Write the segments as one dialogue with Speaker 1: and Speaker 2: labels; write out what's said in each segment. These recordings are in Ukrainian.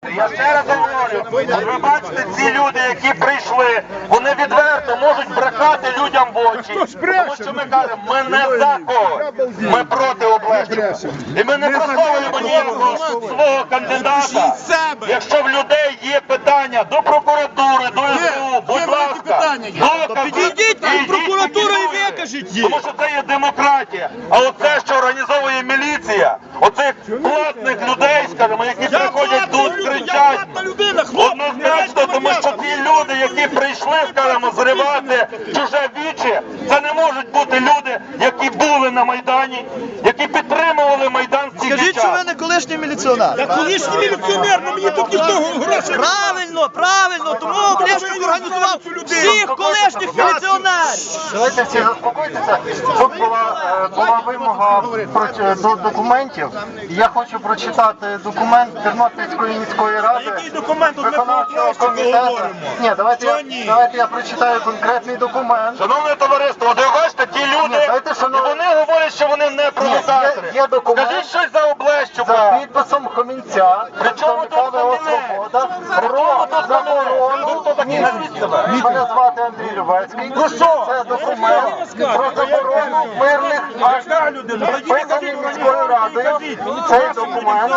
Speaker 1: Я ще раз говорю, ви бачите, ці люди, які прийшли, вони відверто можуть брехати людям в очі. Тому що ми кажемо, ми не за когось, ми проти Облещука. І ми не просовуємо ніякого свого кандидата. Якщо в людей є питання до прокуратури, до СБУ, будь ласка,
Speaker 2: підійдіть в прокуратуру і викажіть їх.
Speaker 1: тому що це є демократія. А оце, що організовує міліція, оцих платних людей, скажімо, які приходять тут, кричать, однозначно, тому що ті люди, які прийшли, скажімо, зривати чуже віче, це не можуть бути люди, які були на Майдані, які підтримували Майдан в ці
Speaker 2: Скажіть, що ви не колишній міліціонер.
Speaker 3: Я колишній міліціонер, але мені тут ніхто грошей.
Speaker 2: Правильно, тому Облещук організував всіх колишніх міліціонерів.
Speaker 4: Давайте всі заспокойтеся. Тут була вимога до документів. Я хочу прочитати документ Тернопільської міської ради.
Speaker 3: Який документ? Тут ми про
Speaker 4: Облещука
Speaker 3: говоримо.
Speaker 4: Ні, давайте я прочитаю конкретний документ.
Speaker 1: Шановне товариство, от ви бачите, ті люди, і вони говорять, що вони не провокатори.
Speaker 4: Є документ.
Speaker 1: Скажіть щось за Облещука.
Speaker 4: За підписом Хомінця, представника ВО «Свобода», про заборону. Мене звати Андрій Любецький. Це документ про заборону мирних акцій, підписаний міською радою. Цей документ.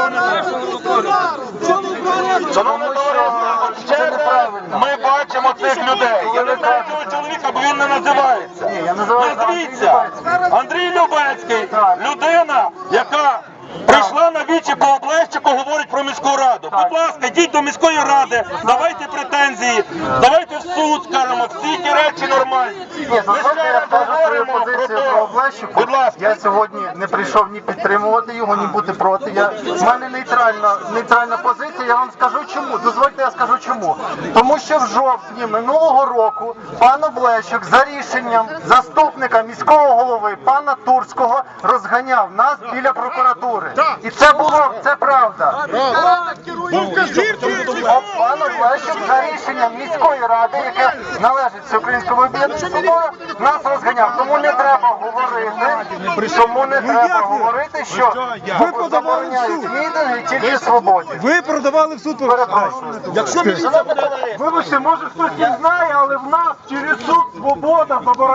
Speaker 1: Шановне товариство, от ще раз ми бачимо цих людей. Я не знаю цього чоловіка, бо він не називається. Назвіться. Андрій Любецький, людина, яка прийшла на вічі по Облещуку, говорить про міську раду. Будь ласка, йдіть до міської ради, давайте претензії, давайте в суд, скажемо, всі ті речі нормальні.
Speaker 4: Ні, дозвольте, я скажу свою позицію про Облещука.
Speaker 1: Будь ласка.
Speaker 4: Я сьогодні не прийшов ні підтримувати його, ні бути проти. В мене нейтральна позиція, я вам скажу чому. Дозвольте, я скажу чому. Тому що в жовтні минулого року пан Облещук за рішенням заступника міського голови пана Турського розганяв нас біля прокуратури. І це правда. Пан Облещук за рішенням міської ради, яке належить Всеукраїнському об'єднанню «Свобода», нас розганяв. Тому не треба говорити, що забороняють мітинги тільки свободі.
Speaker 5: Ви продавали в суд.
Speaker 4: Перепрошую. Вибачте, може хтось не знає, але в нас через суд «Свобода» забороняє.